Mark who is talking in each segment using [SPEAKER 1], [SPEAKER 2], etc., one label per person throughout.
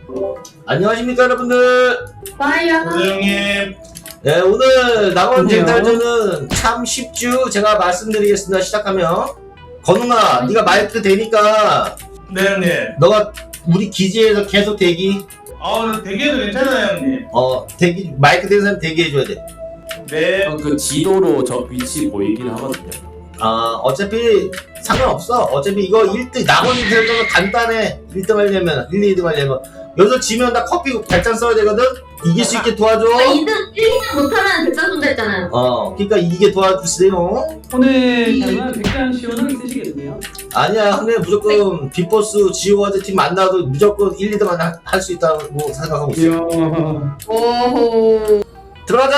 [SPEAKER 1] 안녕하십니까 여러분들.
[SPEAKER 2] 빠이야.
[SPEAKER 3] 형님.
[SPEAKER 1] 네, 오늘 낙원 쟁탈전은 참 쉽죠. 제가 말씀드리겠습니다. 시작하면 건웅아, 네가 마이크 되니까
[SPEAKER 3] 네 형님.
[SPEAKER 1] 너가 우리 기지에서 계속 대기.
[SPEAKER 3] 대기해도 괜찮아요 형님.
[SPEAKER 1] 대기, 마이크 되는 사람 대기해줘야 돼.
[SPEAKER 3] 네.
[SPEAKER 4] 그 지도로 저 위치 보이긴 하거든요.
[SPEAKER 1] 어차피 상관없어. 어차피 이거 1등, 낙원 쟁탈전은 간단해. 1등 하려면, 1, 2등 하려면. 여기서 지면 나 커피 발잔 써야 되거든? 이길 수 있게 도와줘.
[SPEAKER 2] 2등, 1, 2등 못하면 백장 쏜다 했잖아요.
[SPEAKER 1] 그러니까 이기게 도와주세요.
[SPEAKER 5] 오늘 정말 백장 시원하게 쓰시겠네요.
[SPEAKER 1] 아니야, 근데 무조건 빅보스 지오와드 팀 만나도 무조건 1, 2등만 할 수 있다고 생각하고 있어.
[SPEAKER 5] 이야.
[SPEAKER 2] 오호.
[SPEAKER 1] 들어가자!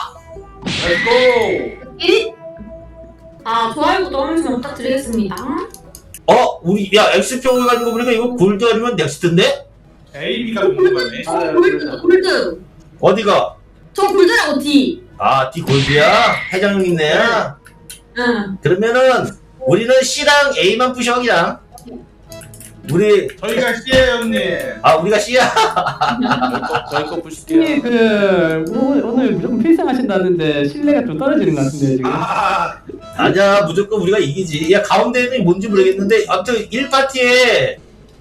[SPEAKER 3] 렛츠고.
[SPEAKER 2] 1위? 좋아요, 구독 한 번씩 부탁드리겠습니다.
[SPEAKER 1] 우리, 야, X평을 가지고 보니까 이거 골드 아니면 넥스트인데?
[SPEAKER 3] AB가 궁금하네.
[SPEAKER 2] 골드.
[SPEAKER 1] 어디가?
[SPEAKER 2] 저 골드라고, D.
[SPEAKER 1] D 골드야? 회장님 있네.
[SPEAKER 2] 응.
[SPEAKER 1] 그러면은, 우리는 C랑 A만 부셔, 그냥. 우리,
[SPEAKER 3] 저희가 C예요 형님.
[SPEAKER 1] 우리가 C야?
[SPEAKER 4] 저희 거 부실게요.
[SPEAKER 5] 오늘 무조건 필승하신다는데 신뢰가 좀 떨어지는 것 같은데요 지금.
[SPEAKER 1] 아니야, 무조건 우리가 이기지. 야, 가운데는 뭔지 모르겠는데, 아무튼 1파티에,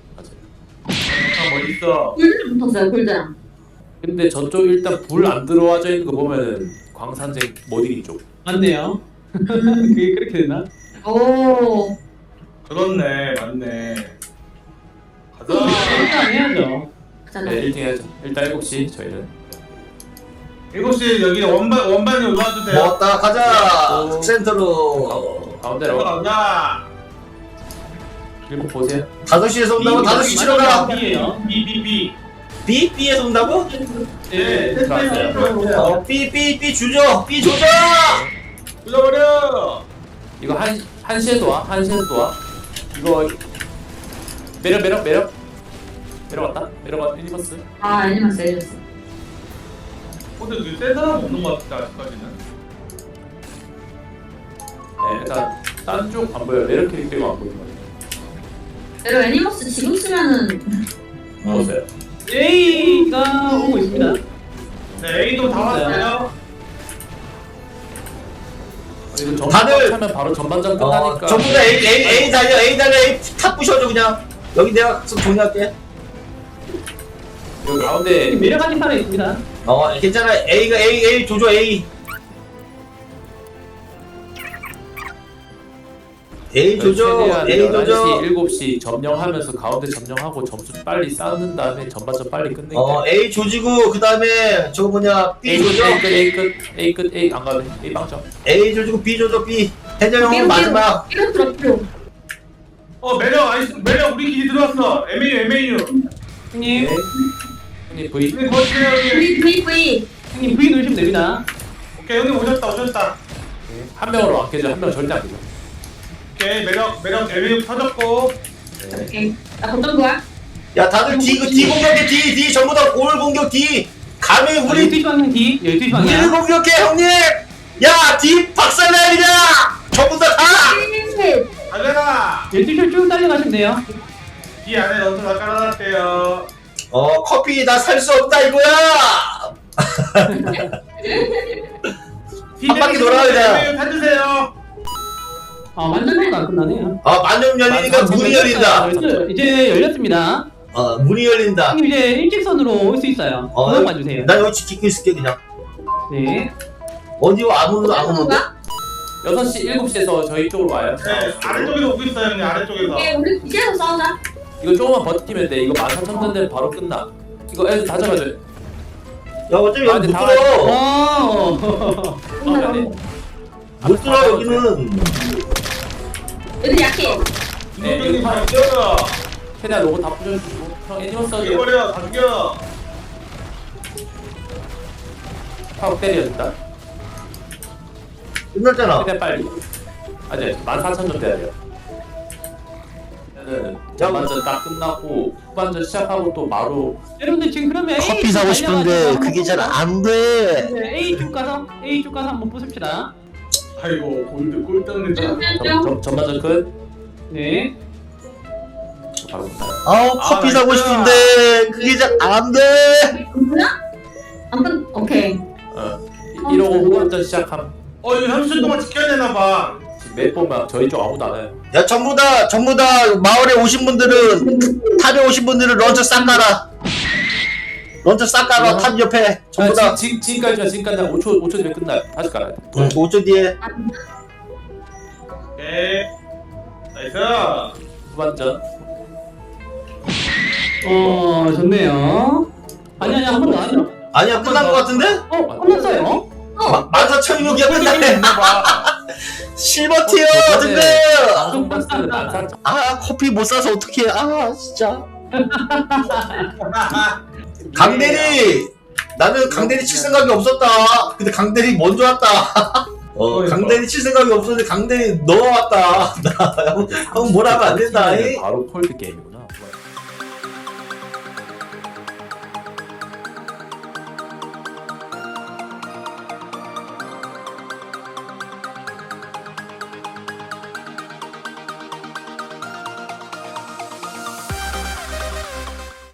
[SPEAKER 3] 멋있어.
[SPEAKER 2] 골드를 붙었어요, 골드랑.
[SPEAKER 4] 근데 저쪽 일단 불 안 들어와져 있는 거 보면은 광산쟁 못 이기 쪽.
[SPEAKER 5] 맞네요. 그게 그렇게 되나?
[SPEAKER 2] 오.
[SPEAKER 3] 그렇네, 맞네. 가자.
[SPEAKER 5] 일단 해야죠.
[SPEAKER 2] 그잖아.
[SPEAKER 4] 네, 1등 해야죠. 일단 7시 저희는.
[SPEAKER 3] 7시 여기 원반이 올라와주세요.
[SPEAKER 1] 먹었다, 가자! 센터로.
[SPEAKER 4] 가운데로.
[SPEAKER 3] 가자.
[SPEAKER 4] 그리고 보세요.
[SPEAKER 1] 5시에서 온다고? 5시 치러 가!
[SPEAKER 5] B예요.
[SPEAKER 3] B.
[SPEAKER 1] B? B에서 온다고?
[SPEAKER 5] 네.
[SPEAKER 4] 들어왔어요.
[SPEAKER 1] B 주죠! B 조져!
[SPEAKER 3] 불러버려.
[SPEAKER 4] 이거 한시에도 와. 한시에도 와. 이거 매력 왔다. 매력 유니버스.
[SPEAKER 2] 애니마스.
[SPEAKER 3] 근데 여기 센 사람 없는 것 같아 아직까지는.
[SPEAKER 4] 네, 일단 딴 쪽 안 보여. 매력 캐릭터가 안 보이는 거예요.
[SPEAKER 2] 내가 애니마스 지금 쓰면은
[SPEAKER 4] 보세요.
[SPEAKER 5] A가 오고 있습니다.
[SPEAKER 3] 네, A도 다 왔어요.
[SPEAKER 4] 이거 전반
[SPEAKER 1] 다들-
[SPEAKER 4] 차면 바로 전반전 끝나니까.
[SPEAKER 1] 전부 다 A 달려, A 탑 부셔줘, 그냥. 여기 내가 좀 정리할게.
[SPEAKER 4] 여기 가운데
[SPEAKER 5] 매력하신 사람이 있습니다.
[SPEAKER 1] 괜찮아. A 조져, A. A 조져,
[SPEAKER 4] 최대한
[SPEAKER 1] A 조져.
[SPEAKER 4] 11시, 7시 점령하면서 가운데 점령하고 점수 빨리 쌓는 다음에 전반전 빨리 끝내게.
[SPEAKER 1] A 조지고, 그 다음에, 저거 뭐냐, B 조져.
[SPEAKER 4] A 끝, A 안 가네. A 빵점.
[SPEAKER 1] A 조지고, B 조져, B. 해저형은 마지막.
[SPEAKER 2] 이거 들었죠.
[SPEAKER 3] 매력 우리 기지 들어왔어. MAU.
[SPEAKER 5] 형님,
[SPEAKER 4] 형님 V.
[SPEAKER 3] 형님 거치세요 형님.
[SPEAKER 2] V.
[SPEAKER 5] 형님 V 누르시면 됩니다.
[SPEAKER 3] 오케이 형님 오셨다.
[SPEAKER 4] 한 명으로 안 깨져. 한 명 절대 안 깨져.
[SPEAKER 3] 오케이 매력 MAU 터졌고.
[SPEAKER 4] 네.
[SPEAKER 2] 오케이. 나 어떤 거야?
[SPEAKER 1] 야, 다들 D 공격해, D. 전부 다 골 공격, D. 감히 우리
[SPEAKER 5] 12시 방향 D, 12시
[SPEAKER 1] 우리를
[SPEAKER 5] 방향.
[SPEAKER 1] 공격해, 형님! 야, D 박살내야 그냥! 전부 다 가!
[SPEAKER 3] 가져라.
[SPEAKER 5] 12시를 쭉 달려가시면 돼요.
[SPEAKER 3] 이 안에 넣어서 다 깔아놨대요.
[SPEAKER 1] 커피 나 살 수 없다, 이거야! 한 바퀴 돌아가자.
[SPEAKER 3] MAU 타주세요.
[SPEAKER 5] 완전히가 안 끝나네요.
[SPEAKER 1] 만점 열리니까 문이 열린다.
[SPEAKER 5] 이제 열렸습니다.
[SPEAKER 1] 문이 열린다.
[SPEAKER 5] 형님 이제 일직선으로 올 수 있어요. 그만 봐주세요.
[SPEAKER 1] 나 여기 지키고 있을게, 그냥.
[SPEAKER 5] 네.
[SPEAKER 1] 어디 아무도 안 오는데?
[SPEAKER 4] 6시, 7시에서 저희 쪽으로 와요.
[SPEAKER 3] 네 아래쪽에서 오고 있어요 형님 아래쪽에서.
[SPEAKER 2] 오케이, 우리 기지에서 싸우자.
[SPEAKER 4] 이거 조금만 버티면 돼. 이거 14,000원 되면 바로 끝나. 이거 애들 다 잡아줘요.
[SPEAKER 1] 야, 어차피 여기 못
[SPEAKER 4] 다
[SPEAKER 1] 들어. 못 들어, 여기는.
[SPEAKER 2] 애들 약해.
[SPEAKER 3] 이동경님 다 죽여.
[SPEAKER 4] 최대한 로고 다 부셔주고. 형 애니멀 써줘.
[SPEAKER 3] 죽여버려 다 죽여.
[SPEAKER 4] 하고 때려 일단.
[SPEAKER 1] 끝났잖아.
[SPEAKER 4] 최대한 빨리. 아니 14,000점 돼야 돼요. 전반전 딱 끝나고 후반전 시작하고 또 바로
[SPEAKER 5] 여러분들 지금 그러면
[SPEAKER 1] 커피 사고 싶은데 그게 잘 안 돼.
[SPEAKER 5] 네, A 쪽 가서 한번 부숩시다.
[SPEAKER 3] 아이고 골드 꿀 떴는데.
[SPEAKER 4] 전반전 끝.
[SPEAKER 5] 네.
[SPEAKER 4] 바로 못 사요.
[SPEAKER 1] 아우 커피 사고
[SPEAKER 3] 나이스.
[SPEAKER 1] 싶은데 그게 잘 안돼.
[SPEAKER 2] 뭐야? 아무튼 오케이.
[SPEAKER 4] 1호 후반전 시작함.
[SPEAKER 3] 이거 30분 동안 지켜야 되나봐.
[SPEAKER 4] 지금 몇 번만 저희 쪽 아무도 안 와요.
[SPEAKER 1] 야 전부 다 마을에 오신 분들은 탑에 오신 분들은 런처 싹 깔아. 런처 싹 깔아. 탑 옆에 전부 다.
[SPEAKER 4] 지금까지 5초 뒤에 끝나요. 다시 깔아야 돼.
[SPEAKER 1] 5초 뒤에.
[SPEAKER 3] 오케이. 나이스.
[SPEAKER 4] 후반전.
[SPEAKER 5] 좋네요. 아니 한 번 더 하죠.
[SPEAKER 1] 아니야 끝난 것 같은데?
[SPEAKER 5] 끝났어요.
[SPEAKER 1] 14,600이야 끝났네.
[SPEAKER 3] 있나봐.
[SPEAKER 1] 실버 티어
[SPEAKER 4] 저번에
[SPEAKER 1] 등급.
[SPEAKER 4] 방송 봤을 때는 안 샀죠.
[SPEAKER 1] 아 커피 못 사서 어떡해. 아 진짜. 강대리 나는 강대리 칠 생각이 없었다. 근데 강대리 먼저 왔다. 강대리 칠 생각이 없었는데 강대리 넘어왔다. 나 형 뭐라 하면 안 된다.
[SPEAKER 4] 바로 콜드 게임이고.